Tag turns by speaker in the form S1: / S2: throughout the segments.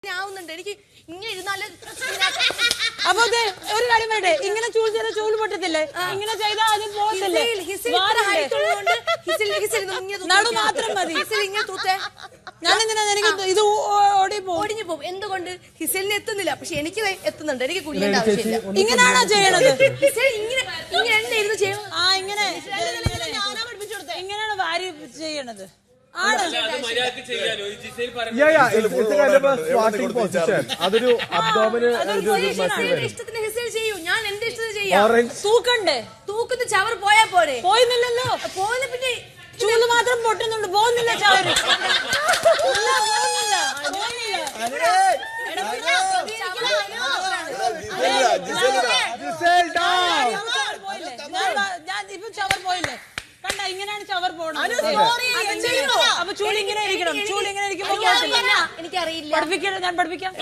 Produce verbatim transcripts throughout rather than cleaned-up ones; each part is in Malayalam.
S1: എനിക്ക് ഇങ്ങനെ ഇരുന്നാല്
S2: അപ്പൊ ഒരു കാര്യം വേണ്ടേ, ഇങ്ങനെ ചൂൽ ചെയ്ത ചൂല് പൊട്ടത്തില്ലേ, ഇങ്ങനെ ചെയ്താൽ അത് പോകത്തില്ലേ? നടു മാത്രം മതി. ഞാൻ എന്തിനാ എനിക്ക് ഇത് ഓടി
S1: ഓടിഞ്ഞു പോകും. എന്തുകൊണ്ട് ഹിസലിന് എത്തുന്നില്ല, പക്ഷെ എനിക്ക് എത്തുന്നുണ്ട്. എനിക്ക് കുഴിയേണ്ട ആവശ്യമില്ല.
S2: ഇങ്ങനെയാണോ ചെയ്യണത്?
S1: ഹിസൽ ഇങ്ങനെ ഇങ്ങനെ എന്നെ ഇരുന്ന് ചെയ്യണം.
S2: ആ ഇങ്ങനെ ഇങ്ങനെയാണ് വാരി ചെയ്യണത്.
S3: അതൊരു അബ്ഡോമിന്
S1: ഇഷ്ടത്തിന് ഹിസൽ ചെയ്യൂ, ഞാൻ എന്റെ ഇഷ്ടത്തിന് ചെയ്യാം.
S2: തൂക്കണ്ടേ?
S1: തൂക്കുന്ന ചവർ പോയാ പോരെ?
S2: പോയിന്നില്ലല്ലോ.
S1: പോകുന്ന പിന്നെ
S2: ചൂല് മാത്രം പൊട്ടുന്നുണ്ട്, പോകുന്നില്ല ചവര്. ഞാൻ ഇപ്പൊ ചവർ പോയില്ലേ, കണ്ട ഇങ്ങനെയാണ് ചവർ പോണത്. അപ്പൊ ചൂല് ഇങ്ങനെ ഇരിക്കണം, ചൂല് ഇങ്ങനെ ഇരിക്കുമ്പോ
S1: എനിക്കറിയില്ല.
S2: പഠിപ്പിക്കണം, ഞാൻ പഠിപ്പിക്കാം.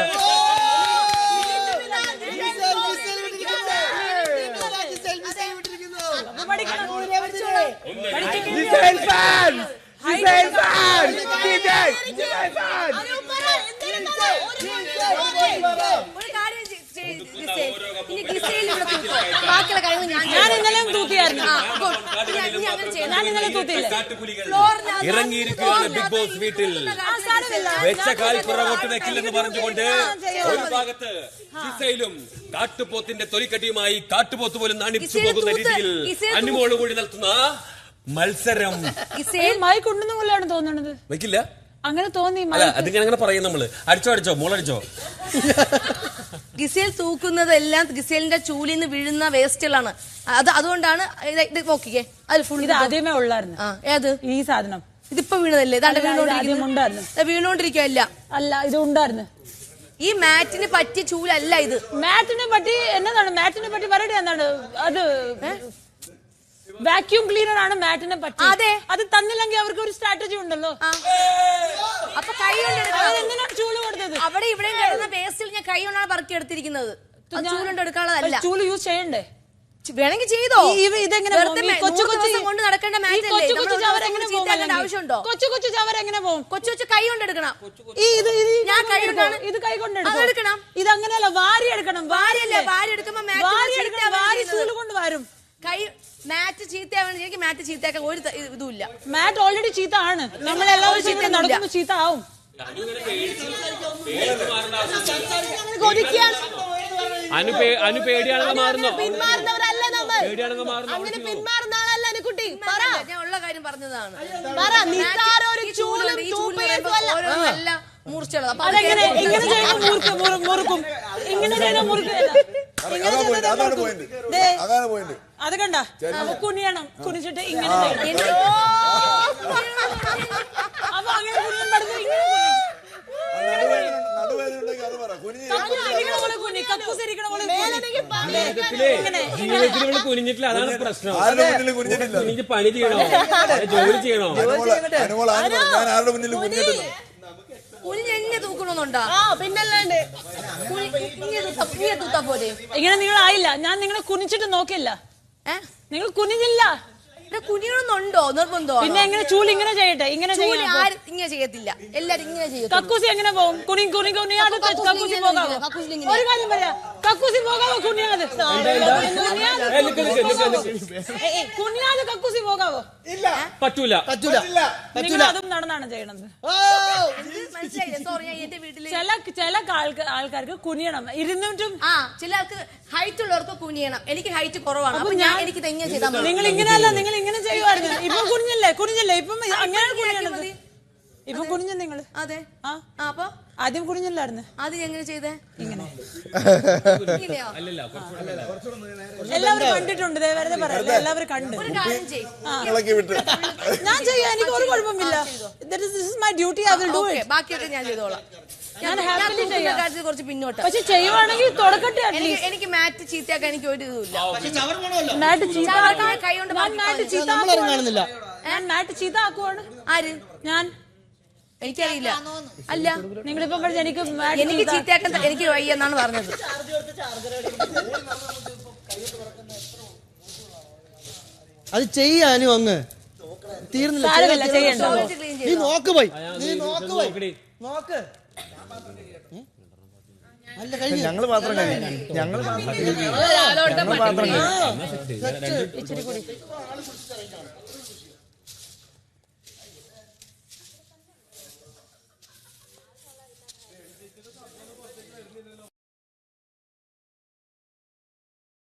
S2: ഞാൻ ഇന്നലെ തൂത്തിയായിരുന്നു. ഞാൻ ഇന്നലെ തൂത്തിയില്ല.
S4: ഇറങ്ങിയിരിക്കുകയാണ് ബിഗ് ബോസ് വീട്ടിൽ. വെച്ച കാൽ പുറകോട്ട് വെക്കില്ലെന്ന് പറഞ്ഞുകൊണ്ട് ഒരു ഭാഗത്ത് ജിസയിലും കാട്ടുപോത്തിന്റെ തൊലിക്കട്ടിയുമായി കാട്ടുപോത്ത് പോലും നാണിച്ചു പോകുന്ന രീതിയിൽ അനുമോള് കൂടി നടത്തുന്ന മത്സരം.
S2: മായി കൊണ്ടുവന്ന പോലെയാണ് തോന്നണത്.
S4: വെക്കില്ല
S2: അങ്ങനെ തോന്നി.
S4: അതിങ്ങനെ അങ്ങനെ പറയും നമ്മള്. അടിച്ചോ അടിച്ചോ മോളടിച്ചോ.
S1: ഗിസേൽ തൂക്കുന്നതെല്ലാം ഗിസേലിന്റെ ചൂലിൽ നിന്ന് വീഴുന്ന വേസ്റ്റുകളാണ്. അത് അതുകൊണ്ടാണ് ഇത് നോക്കിക്കേ, അത് ഫുൾ.
S2: ഇത് ആദ്യമേ ഉള്ളായിരുന്നു.
S1: ഏത് ഈ
S2: സാധനം?
S1: ഇതിപ്പോ വീണതല്ലേ? വീണോണ്ടിരിക്കുകയല്ല.
S2: അല്ല, ഇത് ഉണ്ടായിരുന്നു.
S1: ഈ മാറ്റിന് പറ്റിയ ചൂലല്ല ഇത്.
S2: മാറ്റിനെ പറ്റി എന്നതാണ്? മാറ്റിനെ പറ്റി പറയട്ടെ. എന്താണ് അത്? വാക്യൂം ക്ലീനർ ആണ് മാറ്റിനെ പറ്റി.
S1: അതെ,
S2: അത് തന്നില്ലെങ്കിൽ അവർക്ക് ഒരു സ്ട്രാറ്റജി ഉണ്ടല്ലോ.
S1: അപ്പൊ കൈ
S2: എന്തിനാണ് ചൂല് കൊടുത്തത്?
S1: അവിടെ ഇവിടെ കിടന്ന വേസ്റ്റിൽ ഞാൻ കൈ കൊണ്ടാണ് പറക്കി എടുത്തിരിക്കുന്നത്. ചൂലുകൊണ്ട് എടുക്കാനുള്ളതല്ല.
S2: ചൂല് യൂസ് ചെയ്യണ്ടേ?
S1: വേണമെങ്കിൽ ചെയ്തോ.
S2: ഇതെങ്ങനെ
S1: കൊച്ചു കൊച്ചു കൊണ്ട് നടക്കേണ്ട മാറ്റല്ലേ? ആവശ്യമുണ്ടോ?
S2: കൊച്ചു കൊച്ചു ചവർ എങ്ങനെ പോകും?
S1: കൊച്ചു കൊച്ചു കൈ കൊണ്ട് എടുക്കണം.
S2: ഞാൻ കൈ ഇത് കൈ കൊണ്ട് എടുക്കണം. ഇത് അങ്ങനെയല്ല, വാരി എടുക്കണം.
S1: വാരിയല്ലേ? വാരി എടുക്കുമ്പോ
S2: വാരി ചൂല് കൊണ്ട് വരും.
S1: കൈ മാറ്റ് ചീത്തയാവണം. എനിക്ക് മാറ്റ് ചീത്തയാക്കാൻ ഒരു ഇതുമില്ല.
S2: മാറ്റ് ഓൾറെഡി ചീത്ത ആണ്. നമ്മളെല്ലാവരും ചീത്ത നടക്കുമ്പോ ചീത്ത ആവും.
S4: അനു പേടിയാണെന്ന് മാറുന്നോ?
S1: പിന്മാറുന്നവരല്ല നമ്മൾ.
S4: പേടിയാണെന്ന് മാറുന്നു.
S1: അങ്ങനെ പിന്മാറുന്ന ആളല്ല അനുകുട്ടി. ഞാൻ ഉള്ള കാര്യം പറഞ്ഞതാണ്. ഓരോന്നല്ല മൂർച്ചയുള്ളത്.
S2: അതെങ്ങനെ ഇങ്ങനെ ചെയ്യുന്ന മുറുക്കും മുറുക്കും ഇങ്ങനെ ചെയ്യുന്ന മുറുക്കും. അത് കണ്ട കുനിയണം. കുനിച്ചിട്ട് ഇങ്ങനെ അപ്പൊ അങ്ങനെ കുനിയാൻ പഠിച്ചു.
S4: ജീവിതത്തിൽ കുനിഞ്ഞിട്ടില്ല, അതാണ് പ്രശ്നം. കുനിഞ്ഞ് പണി ചെയ്യണോ, ജോലി ചെയ്യണോ?
S1: കുനിഞ്ഞെന്നെ തൂക്കണമെന്നുണ്ടോ? പിന്നല്ലാണ്ട് പോലെ.
S2: ഇങ്ങനെ നിങ്ങൾ ആയില്ല. ഞാൻ നിങ്ങളെ കുനിച്ചിട്ട് നോക്കില്ല. നിങ്ങൾ കുനിഞ്ഞില്ല.
S1: കുനിയണമെന്നുണ്ടോ? നിർബന്ധോ?
S2: പിന്നെ എങ്ങനെ ചൂല് ഇങ്ങനെ ചെയ്യട്ടെ? ഇങ്ങനെ
S1: ആരും ഇങ്ങനെ ചെയ്യത്തില്ല, എല്ലാരും ഇങ്ങനെ ചെയ്യും.
S2: കക്കൂസി എങ്ങനെ പോകും? കുനി കുനി കുനിയാതെ കക്കൂസി പോകാവോ? ഒരു കാര്യം പറയാ, കക്കൂസി പോകാവോ? കുനിയാതെ കുനിയാതെ കക്കൂസി പോകാവോ?
S4: പറ്റൂല പറ്റൂല.
S2: നിങ്ങൾ അതും നടന്നാണ് ചെയ്യണത്. ചില ചില ആൾക്കാർക്ക് കുനിയണം. ഇരുന്നിട്ടും
S1: ആ ചിലർക്ക് ഹൈറ്റ് ഉള്ളവർക്ക് കുനിയണം. എനിക്ക് ഹൈറ്റ് കുറവാണ്. അപ്പൊ ഞാൻ എനിക്ക് തെങ്ങനെ ചെയ്താൽ മതി.
S2: നിങ്ങൾ ഇങ്ങനെയല്ല, നിങ്ങൾ ഇങ്ങനെ ചെയ്യുമായിരുന്നു. ഇപ്പൊ കുനിഞ്ഞല്ലേ? കുനിഞ്ഞല്ലേ? ഇപ്പം അങ്ങനെയാണ് കുനിയണത്. ഇപ്പൊ കുനിഞ്ഞ നിങ്ങൾ.
S1: അതെ. ആ അപ്പൊ
S2: ആദ്യം കുനിഞ്ഞല്ലായിരുന്നു.
S1: അത് എങ്ങനെ ചെയ്തേ? ഇങ്ങനെ.
S2: എല്ലാവരും കണ്ടിട്ടുണ്ട്. വെറുതെ പറയല്ല, എല്ലാവരും കണ്ടു. ഞാൻ ചെയ്യാം, എനിക്ക് ഒരു കുഴപ്പമില്ല. My duty, I will do it.
S1: ബാക്കിയൊക്കെ ഞാൻ ചെയ്തോളാം.
S2: ഞാൻ ഹാപ്പിലി ചെയ്യാം.
S1: കുറച്ച് പിന്നോട്ട്.
S2: പക്ഷെ ചെയ്യുവാണെങ്കിൽ തുടക്കട്ടെ.
S1: എനിക്ക് മാറ്റ് ചീത്തയാക്കാൻ എനിക്ക് ഒരു ഇതുമില്ല.
S2: മാറ്റ് ചീത്ത
S1: കൈ കൊണ്ട്
S2: മാറ്റ് ചീത്ത ഞാൻ മാറ്റ് ചീത്ത ആക്കുവാണ്.
S1: ആര്?
S2: ഞാൻ.
S1: എനിക്കറിയില്ല. അല്ല,
S2: നിങ്ങളിപ്പോ എനിക്ക്
S1: എനിക്ക് ചീത്തയാക്കാൻ എനിക്ക് വയ്യെന്നാണ് പറഞ്ഞത്.
S5: അത് ചെയ്യാനും അങ്ങ് തീർന്നില്ല.
S2: ചെയ്യണ്ട.
S5: നീ നോക്ക് പോയി, നീ നോക്ക് പോയി, നോക്ക്. അല്ല കഴിഞ്ഞു.
S3: ഞങ്ങള് പാത്രം കഴിഞ്ഞു ഞങ്ങള് പാത്രം കഴിഞ്ഞു ഞങ്ങള് പാത്രം കഴിഞ്ഞു
S2: ഇച്ചിരി കൂടി